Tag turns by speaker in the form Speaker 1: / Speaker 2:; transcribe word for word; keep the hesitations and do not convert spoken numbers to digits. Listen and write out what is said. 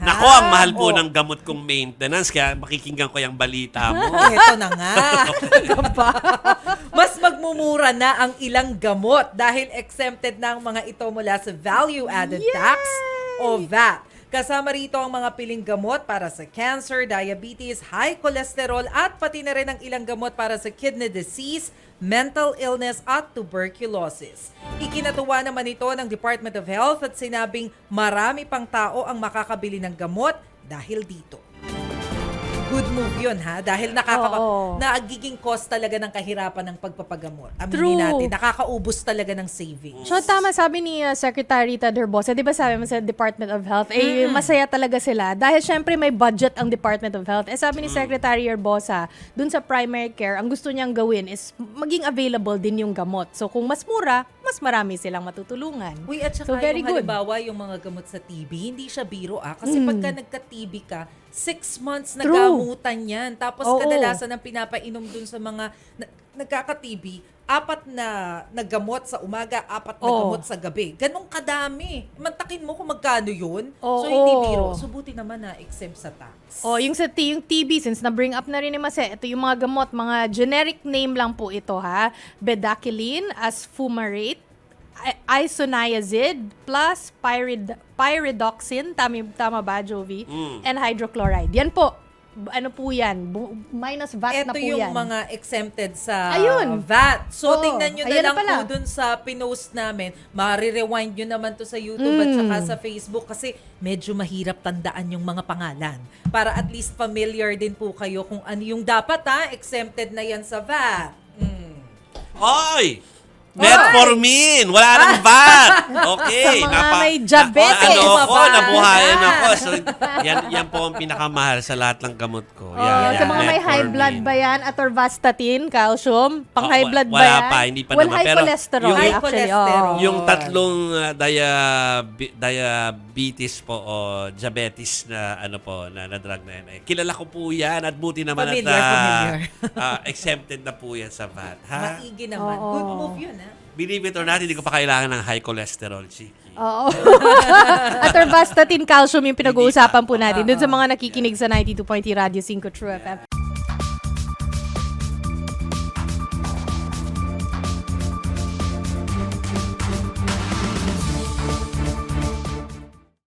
Speaker 1: ha?
Speaker 2: Nako, ang mahal po
Speaker 1: Oh.
Speaker 2: ng gamot kong maintenance, kaya makikinggan ko yung balita mo.
Speaker 1: Ito na nga. Diba? Mas magmumura na ang ilang gamot dahil exempted na ang mga ito mula sa value-added tax o V A T. Kasama rito ang mga piling gamot para sa cancer, diabetes, high cholesterol at pati na rin ang ilang gamot para sa kidney disease, mental illness at tuberculosis. Ikinatuwa naman ito ng Department of Health at sinabing marami pang tao ang makakabili ng gamot dahil dito. Good move yun, ha? Dahil nakaka
Speaker 3: Oo.
Speaker 1: nagiging cost talaga ng kahirapan ng pagpapagamot. Aminin
Speaker 3: True.
Speaker 1: natin, nakakaubos talaga ng savings.
Speaker 3: So tama sabi ni uh, Secretary Ted Herbosa, 'di ba sabi mo sa Department of Health, eh masaya talaga sila dahil syempre may budget ang Department of Health. Eh sabi ni Secretary Herbosa, dun sa primary care, ang gusto niyang gawin is maging available din yung gamot. So kung mas mura, mas marami silang matutulungan.
Speaker 1: Uy, at
Speaker 3: So,
Speaker 1: saka
Speaker 3: very
Speaker 1: yung
Speaker 3: good.
Speaker 1: halimbawa, yung mga gamot sa T B, hindi siya biro ah. Kasi
Speaker 3: Mm.
Speaker 1: pagka nagka-T B ka, six months
Speaker 3: True.
Speaker 1: nagamutan yan. Tapos
Speaker 3: Oo.
Speaker 1: kadalasan ang pinapainom dun sa mga na, nagkaka-T B, apat na naggamot sa umaga, apat na
Speaker 3: Oo.
Speaker 1: gamot sa gabi. Ganong kadami. Mantakin mo kung magkano yun.
Speaker 3: Oo.
Speaker 1: So, hindi biro. So, buti naman na exempt sa tax.
Speaker 3: Oh, yung sa T, yung T B, since na-bring up na rin ni Mase, ito yung mga gamot, mga generic name lang po ito ha. Bedaquiline, asfumarate, i- isoniazid, plus pyrid, pyridoxine, tama, tama ba, Jovi?
Speaker 2: Mm.
Speaker 3: And hydrochloride. Yan po. B- Ano po yan? Bu- minus V A T na
Speaker 1: Ito
Speaker 3: po
Speaker 1: yung
Speaker 3: yan.
Speaker 1: mga exempted sa
Speaker 3: Ayun.
Speaker 1: V A T. So,
Speaker 3: Oo.
Speaker 1: tingnan nyo na
Speaker 3: Ayan na
Speaker 1: lang
Speaker 3: pala.
Speaker 1: po dun sa pinost namin. Mari-rewind nyo naman to sa YouTube at
Speaker 3: Mm.
Speaker 1: saka sa Facebook kasi medyo mahirap tandaan yung mga pangalan. Para at least familiar din po kayo kung ano yung dapat ha. Exempted na yan sa V A T. Mm.
Speaker 2: Oy! Metformin! Wala nang V A T! Okay.
Speaker 3: Sa mga may diabetes.
Speaker 2: Na, ano ako,
Speaker 1: Mababa
Speaker 2: nabuhayan
Speaker 1: na.
Speaker 2: ako. So, yan, yan po ang pinakamahal sa lahat ng gamot ko.
Speaker 3: Oh,
Speaker 2: Yan,
Speaker 3: sa
Speaker 2: yan,
Speaker 3: mga may high
Speaker 2: metformin.
Speaker 3: blood ba yan? Atorvastatin, calcium? Pang
Speaker 2: Oh,
Speaker 3: high
Speaker 2: wa-
Speaker 3: blood ba
Speaker 2: wala
Speaker 3: yan?
Speaker 2: pa, hindi pa
Speaker 3: well,
Speaker 2: naman.
Speaker 3: high
Speaker 2: Pero
Speaker 3: cholesterol
Speaker 2: yung-
Speaker 1: High
Speaker 3: actually.
Speaker 1: cholesterol.
Speaker 3: Oh.
Speaker 2: Yung tatlong uh, diabe- diabetes po o diabetes na ano po na, na drug na yan. Eh, kilala ko po yan at buti naman
Speaker 1: Familiar,
Speaker 2: at uh,
Speaker 1: familiar.
Speaker 2: uh, exempted na po yan sa V A T. Ha?
Speaker 1: Maigi naman.
Speaker 3: Oo.
Speaker 1: Good move yun ha.
Speaker 2: Believe it or not, hindi ko pa kailangan ng high cholesterol, Chiki.
Speaker 3: Oo. Atorvastatin, calcium yung pinag-uusapan po natin. Doon sa mga nakikinig sa ninety-two point three Radio cinco True F M.